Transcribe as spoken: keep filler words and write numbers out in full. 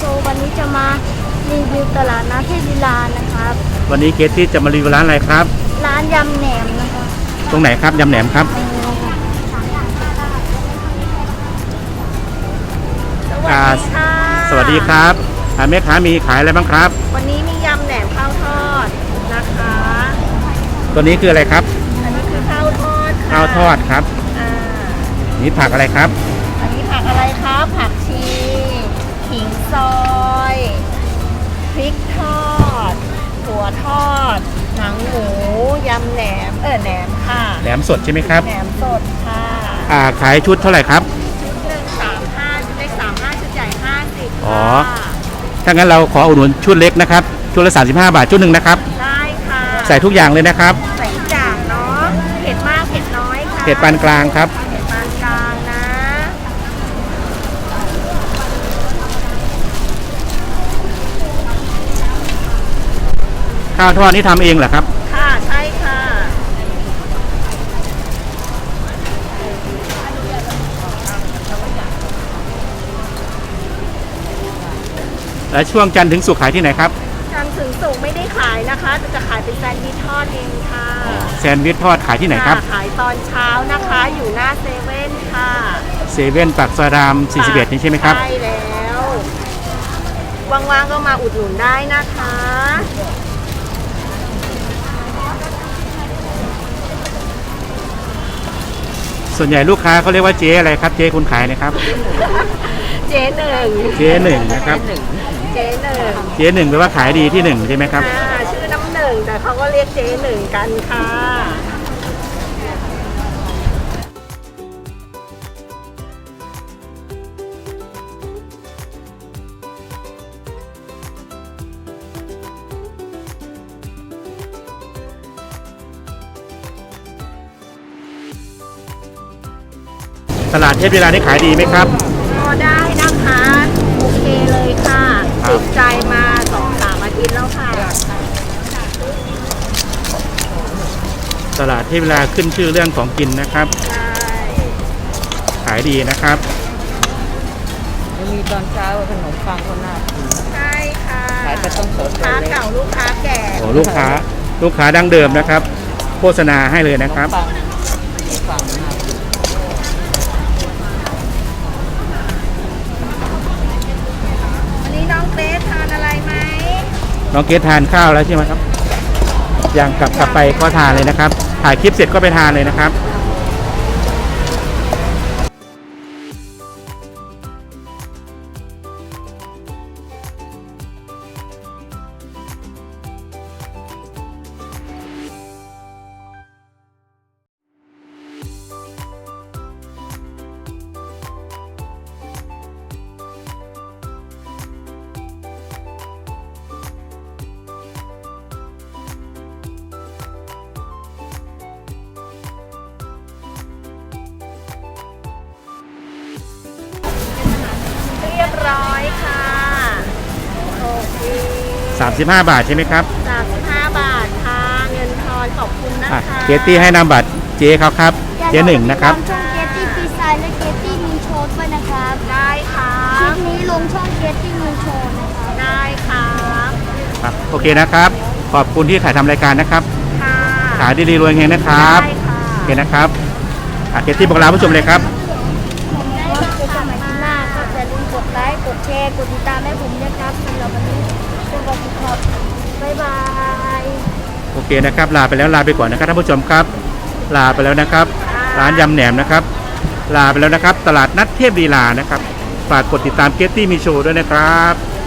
โชว์วันนี้จะมารีวิวตลาดนัดเทพลีลานะครับวันนี้เกตที่จะมารีวิวร้านอะไรครับร้านยำแหนมนะครับตรงไหนครับยำแหนมครับสวัสดีค่ะสวัสดีครับแม่ค้ามีขายอะไรบ้างครับวันนี้มียำแหนมข้าวทอดนะคะตัวนี้คืออะไรครับอันนี้คือข้าวทอดข้าวทอดครับอ่านี่ผักอะไรครับอันนี้ผักอะไรครับผักชีขิงซอยพริกทอดถั่วทอดหนังหมูยำแหนมเออแหนมค่ะแหนมสดใช่ไหมครับแหนมสดค่ะอ่าขายชุดเท่าไหร่ครับชุดหนึ่งสามห้าชุดเล็กสามห้าชุดใหญ่ห้าสิบอ๋อถ้างั้นเราขออุดหนุนชุดเล็กนะครับชุดละสามสิบห้าบาทชุดหนึ่งนะครับได้ค่ะใส่ทุกอย่างเลยนะครับใส่ทุกอย่างเนาะเผ็ดมากเผ็ดน้อยค่ะเผ็ดปานกลางครับเผ็ดปานกลางนะข้าวทอดนี่ทำเองเหรอครับค่ะใช่ค่ะและช่วงจันทร์ถึงศุกร์ขายที่ไหนครับจันทร์ถึงศุกร์ไม่ได้ขายนะคะแต่จะขายเป็นแซนด์วิชทอดเองค่ะแซนด์วิชทอดขายที่ไหนครับขายตอนเช้านะคะอยู่หน้าเซเว่นค่ะเซเว่นปากซอยรามสี่สิบเอ็ดนี่ใช่ไหมครับใช่แล้วว่างๆก็มาอุดหนุนได้นะคะส่วนใหญ่ลูกค้าเขาเรียกว่าเจ๊อะไรครับเจ๊คุณขายนะครับเจ๊หนึ่งเจ๊หนึ่งนะครับเจ๊หนึ่งเจ๊หนึ่งแปลว่าขายดีที่หนึ่งใช่ไหมครับชื่อน้ำหนึ่งแต่เขาก็เรียกเจ๊หนึ่งกันค่ะตลาดเทพลีลานี่ขายดีไหมครับก็ได้นะคะโอเคเลยค่ะติดใจมาสองสามอาทิตย์แล้วค่ะตลาดเทพลีลาขึ้นชื่อเรื่องของกินนะครับใช่ขายดีนะครับมีตอนเช้าขนมปังคนหน้าใช่ค่ะขายไปต้องสดลูกค้าเก่าลูกค้าแก่โอ้ลูกค้าลูกค้าดั้งเดิมนะครับโฆษณาให้เลยนะครับน้องเกรซทานอะไรไหมน้องเกรซทานข้าวแล้วใช่ไหมครับอย่างกลับกลับไปก็ทานเลยนะครับถ่ายคลิปเสร็จก็ไปทานเลยนะครับเรียบร้อยค่ะโอเคสามสิบห้าบาทใช่ไหมครับสามสิบห้าบาทค่ะเงินทอนขอบคุณนะคะเกตตี้ให้นามบัตรเจ๊เขาครับเจ๊หนึ่งนะครับช่องเกตตี้ฟีไซและเกตตี้มีโชว์ด้วยนะครับได้ค่ะคลิปนี้ลงช่องเกตตี้มีโชว์นะครับได้ครับครับโอเคนะครับขอบคุณที่ถ่ายทำรายการนะครับค่ะขายดีๆรวยเฮงนะครับได้ค่ะโอเคนะครับเกตตี้บอกลาผู้ชมเลยครับกดไลค์กดแชร์กดติดตามให้ผมนะครับสำหรับวันนี้เป็นวันที่ครับบ๊ายบายโอเคนะครับลาไปแล้วลาไปก่อนนะครับท่านผู้ชมครับลาไปแล้วนะครับร้านยำแหนมนะครับลาไปแล้วนะครับตลาดนัดเทพลีลานะครับฝากกดติดตามเกตตี้มีโชว์ด้วยนะครับ